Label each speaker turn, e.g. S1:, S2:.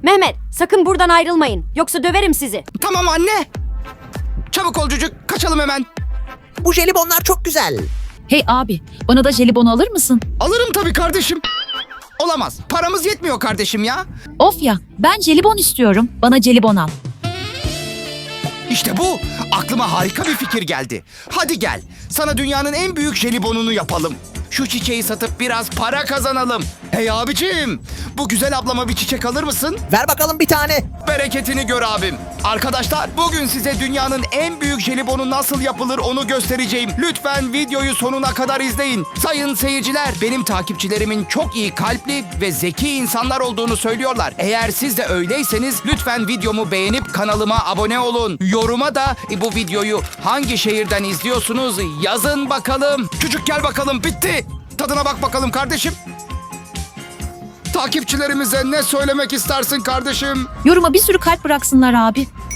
S1: Mehmet, sakın buradan ayrılmayın. Yoksa döverim sizi.
S2: Tamam anne. Çabuk ol çocuk, kaçalım hemen.
S3: Bu jelibonlar çok güzel.
S4: Hey abi, bana da jelibon alır mısın?
S2: Alırım tabii kardeşim. Olamaz, paramız yetmiyor kardeşim ya.
S4: Of ya, ben jelibon istiyorum. Bana jelibon al.
S2: İşte bu, aklıma harika bir fikir geldi. Hadi gel, sana dünyanın en büyük jelibonunu yapalım. Şu çiçeği satıp biraz para kazanalım. Hey abicim, bu güzel ablama bir çiçek alır mısın?
S3: Ver bakalım bir tane.
S2: Bereketini gör abim. Arkadaşlar, bugün size dünyanın en büyük jelibonu nasıl yapılır onu göstereceğim. Lütfen videoyu sonuna kadar izleyin. Sayın seyirciler, benim takipçilerimin çok iyi kalpli ve zeki insanlar olduğunu söylüyorlar. Eğer siz de öyleyseniz lütfen videomu beğenip kanalıma abone olun. Yoruma da bu videoyu hangi şehirden izliyorsunuz yazın bakalım. Çocuk gel bakalım, bitti. Tadına bak bakalım kardeşim. Takipçilerimize ne söylemek istersin kardeşim?
S4: Yoruma bir sürü kalp bıraksınlar abi.